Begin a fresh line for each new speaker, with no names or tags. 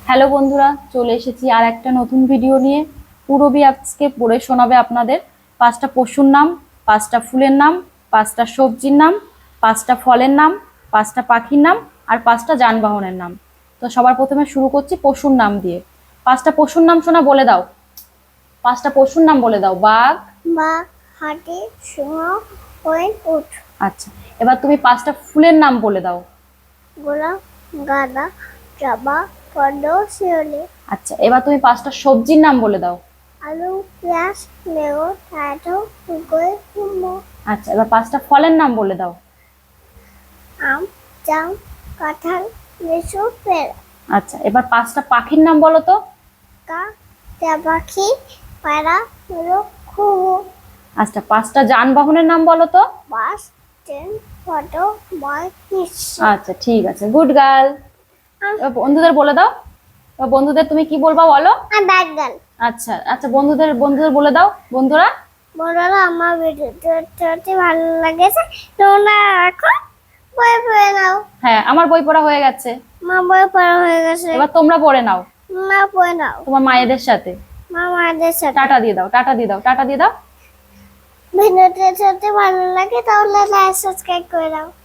Hello বন্ধুরা, চলে এসেছি আর একটা নতুন ভিডিও নিয়ে। পূরবী আজকে পড়ে শোনাবে আপনাদের 5টা পশুর নাম, 5টা ফুলের নাম, 5টা সবজির নাম, 5টা ফলের নাম, 5টা পাখির নাম আর 5টা যানবাহনের নাম। তো সবার প্রথমে শুরু করছি পশুর নাম দিয়ে। 5টা পশুর নাম শোনা বলে দাও। 5টা পশুর নাম বলে দাও। বাঘ,
বাঘ, হাতি, সিংহ, হরিণ, উট।
আচ্ছা। এবার তুমি 5টা ফুলের নাম বলে দাও।
গোলাপ, গাঁদা, জবা, পদ্ম, শিউলি।
আচ্ছা, এবার তুমি 5টা সবজির নাম বলে দাও।
আলু, পেঁয়াজ, বেগুন, টমেটো, ফুলকপি, কুমড়ো।
আচ্ছা, এবার 5টা ফলের নাম বলে দাও।
আম, জাম, কাঁঠাল, লিচু, পেঁড়া।
আচ্ছা, এবার 5টা পাখির নাম বলো তো।
কাক, টিয়া পাখি, পায়রা, মোরগ, ঘুঘু।
আচ্ছা, 5টা যানবাহনের নাম বলো তো।
Bus, train, auto, bike, rickshaw.
আচ্ছা, ঠিক আছে, গুড গার্ল। এবার বন্ধুদের বলে দাও। এবার বন্ধুদের তুমি কি বলবা বলো।
আর ব্যাড গার্ল।
আচ্ছা আচ্ছা, বন্ধুদের বন্ধুদের বলে দাও। বন্ধুরা,
বন্ধুরা, আমার ভিডিওটি ভালো লেগেছে, তোমরা এখন বই পড়ে নাও।
হ্যাঁ, আমার বই পড়া হয়ে গেছে।
মা বই পড়া হয়ে গেছে।
এবার তোমরা পড়ে নাও
মা পড়ে নাও।
তোমার মায়েদের সাথে।
মা মাদের সাথে।
টাটা দিয়ে দাও, টাটা দিয়ে দাও, টাটা দিয়ে দাও।
ভিডিওটি যদি ভালো লাগে তাহলে লাইক সাবস্ক্রাইব করে দাও।